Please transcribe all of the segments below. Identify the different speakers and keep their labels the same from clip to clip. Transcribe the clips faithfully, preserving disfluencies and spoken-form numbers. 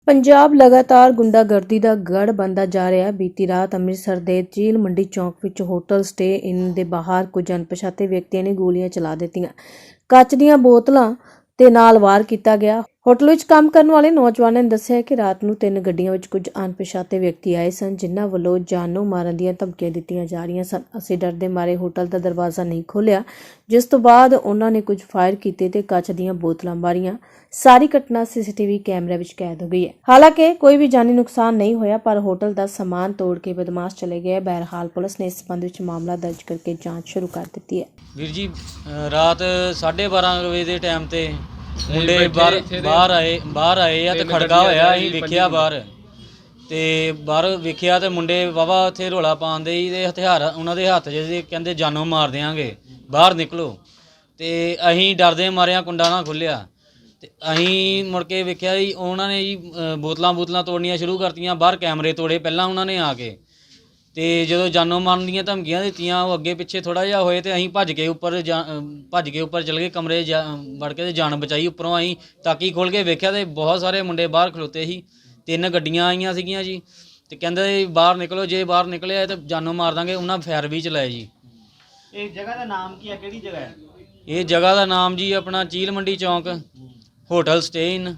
Speaker 1: ਪੰਜਾਬ ਲਗਾਤਾਰ ਗੁੰਡਾਗਰਦੀ ਦਾ ਗੜ੍ਹ ਬਣਦਾ ਜਾ ਰਿਹਾ ਹੈ। ਬੀਤੀ ਰਾਤ ਅੰਮ੍ਰਿਤਸਰ ਦੇ ਚੀਲ ਮੰਡੀ ਚੌਕ ਵਿੱਚ ਹੋਟਲ ਸਟੇ ਇਨ ਦੇ ਬਾਹਰ ਕੁਝ ਅਣਪਛਾਤੇ ਵਿਅਕਤੀਆਂ ਨੇ ਗੋਲੀਆਂ ਚਲਾ ਦਿੱਤੀਆਂ। ਕੱਚ ਦੀਆਂ ਬੋਤਲਾਂ ਤੇ ਨਾਲ ਵਾਰ ਕੀਤਾ ਗਿਆ। ਹੋਟਲ ਵਿੱਚ ਕੰਮ ਕਰਨ ਵਾਲੇ ਨੌਜਵਾਨਾਂ ਨੇ ਦੱਸਿਆ ਕਿ ਰਾਤ ਨੂੰ ਤਿੰਨ ਗੱਡੀਆਂ ਵਿੱਚ ਕੁਝ ਅਣਪਛਾਤੇ ਵਿਅਕਤੀ ਆਏ ਸਨ, ਜਿਨ੍ਹਾਂ ਵੱਲੋਂ ਜਾਨੋਂ ਮਾਰਨ ਦੀਆਂ ਧਮਕੀਆਂ ਦਿੱਤੀਆਂ ਜਾ ਰਹੀਆਂ ਸਨ। ਅਸੀਂ ਡਰ ਦੇ ਮਾਰੇ ਹੋਟਲ ਦਾ ਦਰਵਾਜ਼ਾ ਨਹੀਂ ਖੋਲ੍ਹਿਆ, ਜਿਸ ਤੋਂ ਬਾਅਦ ਉਹਨਾਂ ਨੇ ਕੁਝ ਫਾਇਰ ਕੀਤੇ ਤੇ ਕੱਚ ਦੀਆਂ ਬੋਤਲਾਂ ਮਾਰੀਆਂ। ਸਾਰੀ ਘਟਨਾ ਸੀਸੀਟੀਵੀ ਕੈਮਰੇ ਵਿੱਚ ਕੈਦ ਹੋ ਗਈ ਹੈ। ਹਾਲਾਂਕਿ ਕੋਈ ਵੀ ਜਾਨੀ ਨੁਕਸਾਨ ਨਹੀਂ ਹੋਇਆ, ਪਰ ਹੋਟਲ ਦਾ ਸਮਾਨ ਤੋੜ ਕੇ ਬਦਮਾਸ਼ ਚਲੇ ਗਏ। ਬਹਰਹਾਲ ਪੁਲਿਸ ਨੇ ਇਸ ਸੰਬੰਧ ਵਿੱਚ ਮਾਮਲਾ ਦਰਜ ਕਰਕੇ ਜਾਂਚ ਸ਼ੁਰੂ ਕਰ ਦਿੱਤੀ ਹੈ।
Speaker 2: ਵੀਰ ਜੀ ਰਾਤ ਸਾਢੇ ਬਾਰਾਂ ਵਜੇ ਦੇ ਟਾਈਮ ਤੇ ਮੁੰਡੇ ਬਾਹਰ ਬਾਹਰ ਆਏ ਬਾਹਰ ਆਏ ਆ ਤੇ ਖੜਕਾ ਹੋਇਆ। ਅਸੀਂ ਵੇਖਿਆ ਬਾਹਰ ਤੇ ਬਾਹਰ ਵੇਖਿਆ ਤੇ ਮੁੰਡੇ ਵਾਵਾ ਉੱਥੇ ਰੌਲਾ ਪਾਉਂਦੇ ਸੀ ਤੇ ਹਥਿਆਰ ਉਹਨਾਂ ਦੇ ਹੱਥ ਜਿਹੇ ਕਹਿੰਦੇ ਜਾਨੋਂ ਮਾਰ ਦਿਆਂਗੇ, ਬਾਹਰ ਨਿਕਲੋ। ਤੇ ਅਸੀਂ ਡਰਦੇ ਮਾਰਿਆ ਕੁੰਡਾ ਨਾ ਖੁੱਲਿਆ ਤੇ ਅਸੀਂ ਮੁੜ ਕੇ ਵੇਖਿਆ ਜੀ ਉਹਨਾਂ ਨੇ ਜੀ ਬੋਤਲਾਂ ਬੋਤਲਾਂ ਤੋੜਨੀਆਂ ਸ਼ੁਰੂ ਕਰਤੀਆਂ। ਬਾਹਰ ਕੈਮਰੇ ਤੋੜੇ ਪਹਿਲਾਂ ਉਹਨਾਂ ਨੇ ਆ ਕੇ, ਤੇ ਜਦੋਂ ਜਾਨੋਂ ਮਾਰਨ ਦੀਆਂ ਧਮਕੀਆਂ ਦਿੱਤੀਆਂ ਉਹ ਅੱਗੇ ਪਿੱਛੇ ਥੋੜ੍ਹਾ ਜਿਹਾ ਹੋਏ ਤੇ ਅਸੀਂ ਭੱਜ ਕੇ ਉੱਪਰ ਜਾ ਭੱਜ ਕੇ ਉੱਪਰ ਚਲੇ ਗਏ ਕਮਰੇ ਜਾ ਵੜ ਕੇ ਤੇ ਜਾਨ ਬਚਾਈ। ਉੱਪਰੋਂ ਅਸੀਂ ਤਾਕੀ ਖੋਲ੍ਹ ਕੇ ਵੇਖਿਆ ਤੇ ਬਹੁਤ ਸਾਰੇ ਮੁੰਡੇ ਬਾਹਰ ਖਲੋਤੇ ਸੀ। ਤਿੰਨ ਗੱਡੀਆਂ ਆਈਆਂ ਸੀਗੀਆਂ ਜੀ ਤੇ ਕਹਿੰਦੇ ਬਾਹਰ ਨਿਕਲੋ, ਜੇ ਬਾਹਰ ਨਿਕਲਿਆ ਤਾਂ ਜਾਨੋਂ ਮਾਰ ਦਾਂਗੇ। ਉਹਨਾਂ ਫਾਇਰ ਵੀ ਚਲਾਏ ਜੀ।
Speaker 3: ਇਹ ਜਗ੍ਹਾ ਦਾ ਨਾਮ ਕੀ ਹੈ, ਕਿਹੜੀ ਜਗ੍ਹਾ ਹੈ?
Speaker 2: ਇਹ ਜਗ੍ਹਾ ਦਾ ਨਾਮ ਜੀ ਆਪਣਾ ਚੀਲ ਮੰਡੀ ਚੌਂਕ ਹੋਟਲ ਸਟੇ ਇਨ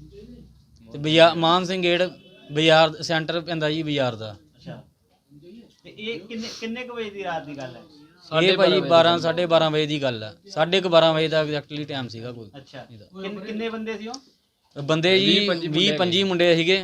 Speaker 2: ਤੇ ਬਾਜ਼ਾਰ ਮਾਨ ਸਿੰਘ ਗੇਟ ਬਾਜ਼ਾਰ ਸੈਂਟਰ ਪੈਂਦਾ ਜੀ ਬਾਜ਼ਾਰ ਦਾ।
Speaker 3: ਅੱਛਾ, ਤੇ ਇਹ ਕਿੰਨੇ ਕਿੰਨੇ ਕੁ ਵਜੇ ਦੀ ਰਾਤ ਦੀ ਗੱਲ ਹੈ?
Speaker 2: ਇਹ ਭਾਜੀ ਬਾਰਾਂ ਸਾਢੇ ਬਾਰਾਂ ਵਜੇ ਦੀ ਗੱਲ ਆ। ਸਾਢੇ ਕੁ ਬਾਰਾਂ ਵਜੇ ਦਾ ਐਗਜ਼ੈਕਟਲੀ ਟਾਈਮ ਸੀਗਾ ਕੋਈ।
Speaker 3: ਅੱਛਾ, ਕਿੰਨ- ਕਿੰਨੇ ਬੰਦੇ ਸੀ ਉਹ?
Speaker 2: ਬੰਦੇ ਜੀ ਵੀਹ ਪੰਜੀ ਮੁੰਡੇ ਸੀਗੇ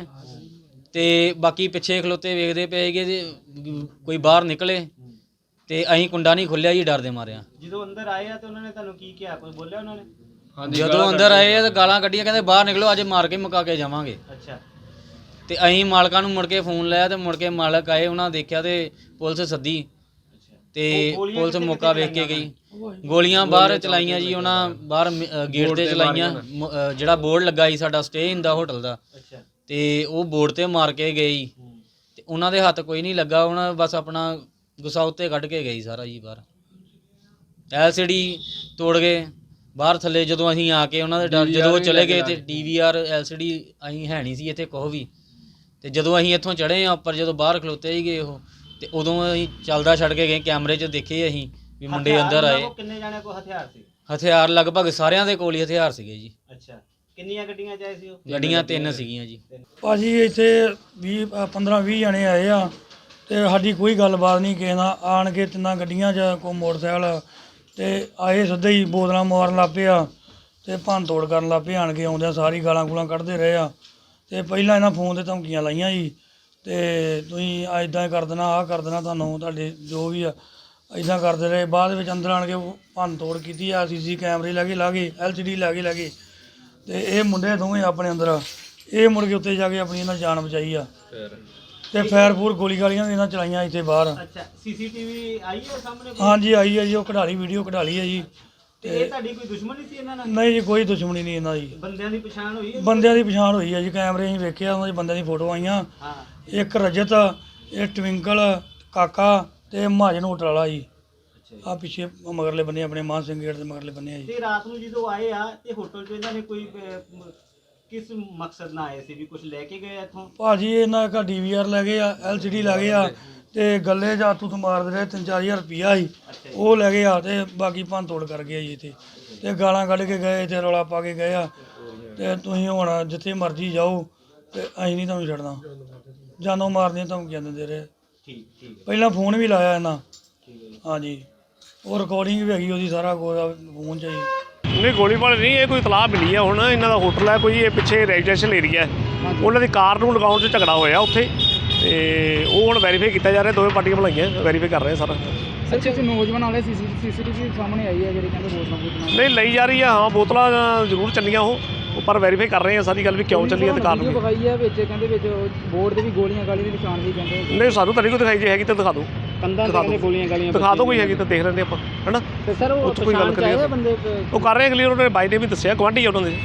Speaker 2: ਤੇ ਬਾਕੀ ਪਿੱਛੇ ਖਲੋਤੇ ਵੇਖਦੇ ਪਏ ਸੀਗੇ ਤੇ ਕੋਈ ਬਾਹਰ ਨਿਕਲੇ ਤੇ ਅਸੀਂ ਕੁੰਡਾ ਨਹੀਂ ਖੁੱਲਿਆ ਜੀ ਡਰ ਦੇ ਮਾਰਿਆ।
Speaker 3: ਜਦੋਂ ਅੰਦਰ ਆਏ ਆ ਤੇ ਉਹਨਾਂ ਨੇ ਤੁਹਾਨੂੰ ਕੀ ਕਿਹਾ, ਕੋਈ ਬੋਲਿਆ ਉਹਨਾਂ ਨੇ?
Speaker 2: ਜਦੋਂ ਅੰਦਰ ਆਏ ਆ ਤਾਂ ਗਾਲਾਂ ਕੱਢੀਆਂ, ਕਹਿੰਦੇ ਬਾਹਰ ਨਿਕਲੋ, ਅੱਜ ਮਾਰ ਕੇ ਮੁਕਾ ਕੇ ਜਾਵਾਂਗੇ।
Speaker 3: ਅੱਛਾ,
Speaker 2: ਤੇ ਅਸੀਂ ਮਾਲਕਾਂ ਨੂੰ ਮੁੜ ਕੇ ਫੋਨ ਲਾਇਆ ਤੇ ਮੁੜ ਕੇ ਮਾਲਕ ਆਏ, ਉਹਨਾਂ ਦੇਖਿਆ ਤੇ ਪੁਲਿਸ ਸੱਦੀ ਤੇ ਪੁਲਿਸ ਮੌਕਾ ਵੇਖ ਕੇ ਗਈ। ਗੋਲੀਆਂ ਬਾਹਰ ਚਲਾਈਆਂ ਜੀ ਉਹਨਾਂ, ਬਾਹਰ ਗੇਟ ਤੇ ਚਲਾਈਆਂ। ਜਿਹੜਾ ਬੋਰਡ ਲੱਗਾ ਸੀ ਸਾਡਾ ਸਟੇ ਇਨ ਦਾ ਹੋਟਲ ਦਾ, ਤੇ ਉਹ ਬੋਰਡ ਤੇ ਮਾਰ ਕੇ ਗਏ ਤੇ ਉਹਨਾਂ ਦੇ ਹੱਥ ਕੋਈ ਨਹੀਂ ਲੱਗਾ। ਉਹਨਾਂ ਬਸ ਆਪਣਾ ਗੁੱਸਾ ਉੱਤੇ ਕੱਢ ਕੇ ਗਈ ਸਾਰਾ ਜੀ ਬਾਹਰ। ਐਲ ਸੀ ਡੀ ਤੋੜ ਗਏ ਬਾਹਰ ਥੱਲੇ। ਜਦੋਂ ਅਸੀਂ ਆ ਕੇ ਉਹਨਾਂ ਦੇ ਡਰ ਜਦੋਂ ਉਹ ਚਲੇ ਗਏ ਤੇ D V R L C D ਅਸੀਂ ਹੈ ਨਹੀਂ ਸੀ ਇੱਥੇ ਕੁਛ ਵੀ। ਤੇ ਜਦੋਂ ਅਸੀਂ ਇੱਥੋਂ ਚੜ੍ਹੇ ਆ ਉੱਪਰ, ਜਦੋਂ ਬਾਹਰ ਖਲੋਤੇ ਹੀ ਗਏ ਉਹ, ਤੇ ਉਦੋਂ ਅਸੀਂ ਚੱਲਦਾ ਛੱਡ ਕੇ ਗਏ। ਕੈਮਰੇ 'ਚ ਦੇਖੇ ਅਸੀਂ ਵੀ ਮੁੰਡੇ ਅੰਦਰ ਆਏ।
Speaker 3: ਕਿੰਨੇ ਜਾਣੇ ਕੋਲ ਹਥਿਆਰ ਸੀ?
Speaker 2: ਹਥਿਆਰ ਲਗਭਗ ਸਾਰਿਆਂ ਦੇ ਕੋਲ ਹੀ ਹਥਿਆਰ ਸੀਗੇ ਜੀ।
Speaker 3: ਅੱਛਾ, ਕਿੰਨੀਆਂ ਗੱਡੀਆਂ 'ਚ ਆਏ ਸੀ ਉਹ?
Speaker 2: ਗੱਡੀਆਂ ਤਿੰਨ ਸੀਗੀਆਂ ਜੀ।
Speaker 4: ਭਾਜੀ ਇੱਥੇ ਵੀਹ ਪੰਦਰਾਂ ਵੀਹ ਜਣੇ ਆਏ ਆ ਤੇ ਸਾਡੀ ਕੋਈ ਗੱਲਬਾਤ ਨਹੀਂ ਕਿਸੇ ਨਾਲ। ਆਣ ਕੇ ਤਿੰਨਾਂ ਗੱਡੀਆਂ 'ਚ ਕੋਈ ਮੋਟਰਸਾਈਕਲ ਤੇ ਆਏ ਸਿੱਧੇ ਹੀ ਬੋਤਲਾਂ ਮਾਰਨ ਲੱਗ ਪਏ ਆ ਤੇ ਭੰਨ ਤੋੜ ਕਰਨ ਲੱਗ ਪਏ। ਆਣ ਕੇ ਆਉਂਦਿਆਂ ਸਾਰੀ ਗਾਲਾਂ ਗੂਲਾਂ ਕੱਢਦੇ ਰਹੇ ਆ ਤੇ ਪਹਿਲਾਂ ਇਹਨਾਂ ਫੋਨ 'ਤੇ ਧਮਕੀਆਂ ਲਾਈਆਂ ਜੀ ਤੇ ਤੁਸੀਂ ਇੱਦਾਂ ਕਰ ਦੇਣਾ, ਆਹ ਕਰ ਦੇਣਾ, ਤੁਹਾਨੂੰ ਤੁਹਾਡੇ ਜੋ ਵੀ ਆ ਇੱਦਾਂ ਕਰਦੇ ਰਹੇ। ਬਾਅਦ ਵਿੱਚ ਅੰਦਰ ਆਣ ਕੇ ਭੰਨ ਤੋੜ ਕੀਤੀ ਆ। ਸੀ ਸੀ ਕੈਮਰੇ ਲੈ ਕੇ ਲਾ ਗਏ, ਐਲ ਸੀ ਡੀ ਲੈ ਕੇ ਲੈ ਗਏ ਤੇ ਇਹ ਮੁੰਡੇ ਦੋਵੇਂ ਆਪਣੇ ਅੰਦਰ ਇਹ ਮੁੜ ਕੇ ਉੱਤੇ ਜਾ ਕੇ ਆਪਣੀ ਇਹਨਾਂ ਜਾਨ ਬਚਾਈ ਆ ਤੇ ਫਾਇਰ ਫੂਰ ਗੋਲੀ ਗਾਲੀਆਂ ਵੀ ਇਹਨਾਂ ਚਲਾਈਆਂ ਇੱਥੇ ਬਾਹਰ।
Speaker 3: ਅੱਛਾ, ਸੀ ਸੀ ਟੀ ਵੀ ਆਈ ਹੈ ਸਾਹਮਣੇ?
Speaker 4: ਹਾਂਜੀ ਆਈ ਹੈ ਜੀ, ਉਹ ਕਢਾਲੀ ਵੀਡੀਓ ਕਢਾਲੀ ਹੈ ਜੀ।
Speaker 3: ਤੇ ਇਹ ਤੁਹਾਡੀ ਕੋਈ ਦੁਸ਼ਮਣੀ ਸੀ ਇਹਨਾਂ ਨਾਲ?
Speaker 4: ਨਹੀਂ ਜੀ, ਕੋਈ ਦੁਸ਼ਮਣੀ ਨਹੀਂ ਇਹਨਾਂ ਦੀ।
Speaker 3: ਬੰਦਿਆਂ ਦੀ ਪਛਾਣ ਹੋਈ ਹੈ?
Speaker 4: ਬੰਦਿਆਂ ਦੀ ਪਛਾਣ ਹੋਈ ਹੈ ਜੀ, ਕੈਮਰੇ ਅਸੀਂ ਵੇਖਿਆ, ਉਹਨਾਂ ਦੇ ਬੰਦਿਆਂ ਦੀ ਫੋਟੋ ਆਈਆਂ।
Speaker 3: ਹਾਂ,
Speaker 4: ਇੱਕ ਰਜਤ, ਇਹ ਟਵਿੰਕਲ, ਕਾਕਾ ਤੇ ਮਹਾਜਨ ਹੋਟਲ ਵਾਲਾ ਜੀ। ਆ ਪਿੱਛੇ ਮਗਰਲੇ ਬੰਨੇ ਆਪਣੇ ਮਾਨ ਸਿੰਘ ਗੇਟ ਦੇ ਮਗਰਲੇ ਬੰਨੇ ਆ ਜੀ।
Speaker 3: ਤੇ ਰਾਤ ਨੂੰ ਜਦੋਂ ਆਏ ਆ ਤੇ ਹੋਟਲ 'ਚ ਇਹਨਾਂ ਨੇ ਕੋਈ ਅਹ, ਕਿਸ ਮਕਸਦ ਨਾਲ ਆਏ ਸੀ? ਵੀ ਕੁਝ ਲੈ ਕੇ ਗਏ ਇੱਥੋਂ?
Speaker 4: ਭਾਜੀ ਇਹਨਾਂ ਦਾ ਡੀ ਵੀ ਆਰ ਲੈ ਗਏ ਆ, ਐਲ ਸੀ ਡੀ ਲੈ ਗਏ ਆ ਤੇ ਗੱਲੇ ਜਾਂ ਤੂੰ ਮਾਰਦੇ ਰਹੇ। ਤਿੰਨ ਚਾਰ ਹਜ਼ਾਰ ਰੁਪਈਆ ਸੀ ਉਹ ਲੈ ਗਏ ਆ ਤੇ ਬਾਕੀ ਭੰਨ ਤੋੜ ਕਰ ਗਏ ਜੀ ਇੱਥੇ ਤੇ ਗਾਲਾਂ ਕੱਢ ਕੇ ਗਏ ਤੇ ਰੌਲਾ ਪਾ ਕੇ ਗਏ ਆ ਤੇ ਤੁਸੀਂ ਹੁਣ ਜਿੱਥੇ ਮਰਜ਼ੀ ਜਾਓ ਤੇ ਅਸੀਂ ਨਹੀਂ ਤੁਹਾਨੂੰ ਛੱਡਣਾ। ਜਾਨੋਂ ਮਾਰਦੀਆਂ ਧਮਕੀਆਂ ਦਿੰਦੇ ਰਹੇ।
Speaker 3: ਠੀਕ ਠੀਕ
Speaker 4: ਪਹਿਲਾਂ ਫੋਨ ਵੀ ਲਾਇਆ ਇਹਨਾਂ। ਹਾਂਜੀ, ਉਹ ਰਿਕਾਰਡਿੰਗ ਵੀ ਹੈਗੀ ਉਹਦੀ, ਸਾਰਾ ਕੁਝ ਫੋਨ 'ਚ ਜੀ।
Speaker 5: ਨਹੀਂ ਗੋਲੀਬਾਰੀ ਨਹੀਂ, ਇਹ ਕੋਈ ਇਤਲਾਹ ਮਿਲੀ ਹੈ। ਹੁਣ ਇਹਨਾਂ ਦਾ ਹੋਟਲ ਹੈ ਕੋਈ, ਇਹ ਪਿੱਛੇ ਰੈਜ਼ੀਡੈਂਸ਼ੀਅਲ ਏਰੀਆ ਹੈ, ਉਹਨਾਂ ਦੀ ਕਾਰ ਨੂੰ ਲਗਾਉਣ 'ਚ ਝਗੜਾ ਹੋਇਆ ਉੱਥੇ ਤੇ ਉਹ ਹੁਣ ਵੈਰੀਫਾਈ ਕੀਤਾ ਜਾ ਰਿਹਾ। ਦੋਵੇਂ ਪਾਰਟੀਆਂ ਬੁਲਾਈਆਂ, ਵੈਰੀਫਾਈ ਕਰ ਰਹੇ ਸਾਰਾ।
Speaker 6: ਸਰ ਕੁਝ ਨੌਜਵਾਨ ਵਾਲੇ ਸੀਸੀਟੀਵੀ ਸਾਹਮਣੇ ਆਈ ਹੈ ਜਿਹੜੀ ਕਹਿੰਦੇ ਬੋਤਲਾਂ ਬੋਤਲਾਂ
Speaker 5: ਨਹੀਂ ਲਈ ਜਾ ਰਹੀ ਆ। ਹਾਂ ਬੋਤਲਾਂ ਜ਼ਰੂਰ ਚੱਲੀਆਂ ਉਹ, ਪਰ ਵੈਰੀਫਾਈ ਕਰ ਰਹੇ ਆ ਸਾਰੀ ਗੱਲ ਵੀ ਕਿਉਂ ਚੱਲੀ ਹੈ ਤੇ ਕਾਰਨ।
Speaker 6: ਵੀਡੀਓ ਵਿਖਾਈ ਹੈ ਵਿੱਚ ਕਹਿੰਦੇ ਵਿੱਚ ਬੋਰਡ ਤੇ ਵੀ ਗੋਲੀਆਂ ਗਾਲੀ ਦੇ ਨਿਸ਼ਾਨ ਵੀ ਕਹਿੰਦੇ।
Speaker 5: ਨਹੀਂ ਸਾਨੂੰ ਤਾਂ ਨਹੀਂ ਕੋਈ ਦਿਖਾਈ, ਜੇ ਹੈਗੀ ਤਾਂ ਦਿਖਾ ਦਿਓ।
Speaker 6: ਕੰਧਾਂ ਤੇ ਕਹਿੰਦੇ ਗੋਲੀਆਂ ਗਾਲੀਆਂ
Speaker 5: ਦਿਖਾ ਦਿਓ, ਕੋਈ ਹੈਗੀ ਤਾਂ ਦੇਖ ਲੈਂਦੇ ਆਪਾਂ, ਹੈ ਨਾ।
Speaker 6: ਤੇ ਸਰ ਉਹ
Speaker 5: ਕੋਈ ਗੱਲ
Speaker 6: ਪਛਾਣ 'ਚ ਆਏ ਆ
Speaker 5: ਕਰੀਏ,
Speaker 6: ਬੰਦੇ?
Speaker 5: ਉਹ ਕਰ ਰਹੇ ਕਲੀਅਰ। ਉਹਨਾਂ ਨੇ ਬਾਈ ਨੇ ਵੀ ਦੱਸਿਆ, ਗੁਆਂਢੀ ਆ ਉਹਨਾਂ ਦੇ।